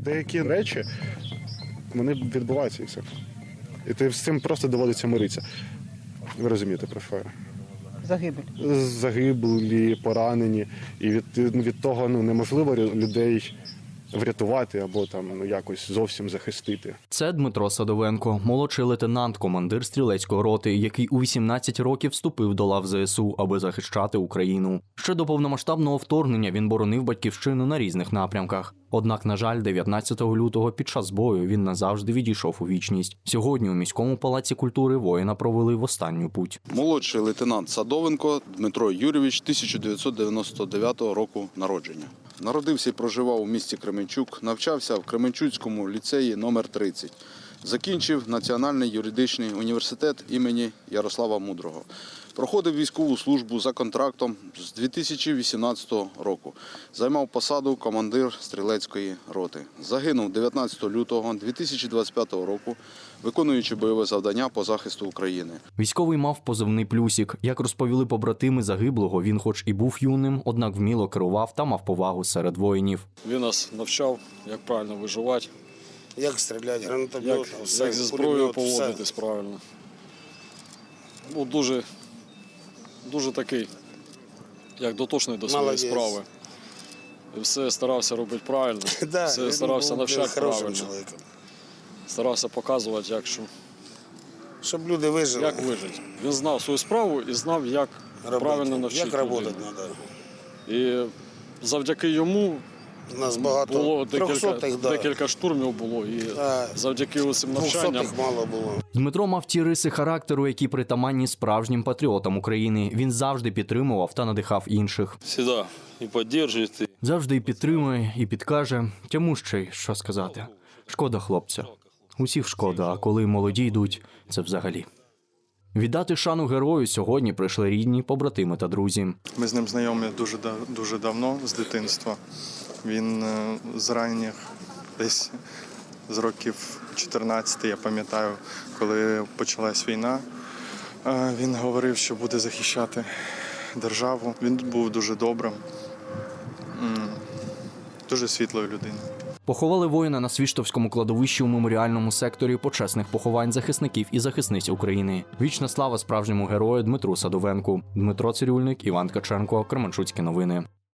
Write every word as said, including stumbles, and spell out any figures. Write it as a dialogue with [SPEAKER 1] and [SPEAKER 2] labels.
[SPEAKER 1] Деякі речі, вони відбуваються і все. І ти з цим просто доводиться миритися. Ви розумієте, про що я?
[SPEAKER 2] Загибель.
[SPEAKER 1] Загиблі, поранені. І від, від того ну, неможливо людей врятувати або там ну, якось зовсім захистити.
[SPEAKER 3] Це Дмитро Садовенко, молодший лейтенант, командир стрілецької роти, який у вісімнадцять років вступив до лав ЗСУ, аби захищати Україну. Ще до повномасштабного вторгнення він боронив батьківщину на різних напрямках. Однак, на жаль, дев'ятнадцятого лютого під час бою він назавжди відійшов у вічність. Сьогодні у міському палаці культури воїна провели в останню путь.
[SPEAKER 4] Молодший лейтенант Садовенко Дмитро Юрійович, тисяча дев'ятсот дев'яносто дев'ятого року народження. Народився і проживав у місті Кременчук, навчався в Кременчуцькому ліцеї номер тридцять. Закінчив Національний юридичний університет імені Ярослава Мудрого. Проходив військову службу за контрактом з дві тисячі вісімнадцятого року. Займав посаду командир стрілецької роти. Загинув дев'ятнадцятого лютого дві тисячі двадцять п'ятого року, виконуючи бойове завдання по захисту України.
[SPEAKER 3] Військовий мав позивний «Плюсик». Як розповіли побратими загиблого, він хоч і був юним, однак вміло керував та мав повагу серед воїнів.
[SPEAKER 5] Він нас навчав, як правильно виживати,
[SPEAKER 6] як стріляти, гранатомет,
[SPEAKER 5] як,
[SPEAKER 6] все,
[SPEAKER 5] як зі зброєю
[SPEAKER 6] пулемет,
[SPEAKER 5] поводитись
[SPEAKER 6] все.
[SPEAKER 5] правильно. Ну, дуже, дуже такий, як дотошний до своєї
[SPEAKER 6] Молодець.
[SPEAKER 5] справи. І все старався робити правильно,
[SPEAKER 6] Да,
[SPEAKER 5] все
[SPEAKER 6] він
[SPEAKER 5] старався
[SPEAKER 6] був
[SPEAKER 5] навчати
[SPEAKER 6] хорошим
[SPEAKER 5] правильно.
[SPEAKER 6] чоловіком.
[SPEAKER 5] Старався показувати, як, що,
[SPEAKER 6] Щоб люди вижили.
[SPEAKER 5] як вижити. Він знав свою справу і знав, як
[SPEAKER 6] робити,
[SPEAKER 5] правильно навчити
[SPEAKER 6] як працювати
[SPEAKER 5] людей.
[SPEAKER 6] треба.
[SPEAKER 5] І завдяки йому
[SPEAKER 6] У нас багато
[SPEAKER 5] було декілька,
[SPEAKER 6] трьохсотих, да.
[SPEAKER 5] декілька штурмів було, і
[SPEAKER 6] А,
[SPEAKER 5] завдяки усім навчанням
[SPEAKER 6] двохсотих мало було.
[SPEAKER 3] Дмитро мав ті риси характеру, які притаманні справжнім патріотам України. Він завжди підтримував та надихав інших.
[SPEAKER 7] Всегда і підтримує.
[SPEAKER 3] Завжди і підтримує, і підкаже. Тьому ще й що сказати. Шкода хлопця. Усіх шкода, а коли молоді йдуть, це взагалі. Віддати шану герою сьогодні прийшли рідні, побратими та друзі.
[SPEAKER 8] Ми з ним знайомі дуже, дуже давно, з дитинства. Він е, з ранніх, десь з років чотирнадцяти, я пам'ятаю, коли почалась війна, е, він говорив, що буде захищати державу. Він був дуже добрим, м, дуже світлою людиною.
[SPEAKER 3] Поховали воїна на Свіштовському кладовищі у меморіальному секторі почесних поховань захисників і захисниць України. Вічна слава справжньому герою Дмитру Садовенку. Дмитро Цирюльник, Іван Ткаченко, Кременчуцькі новини.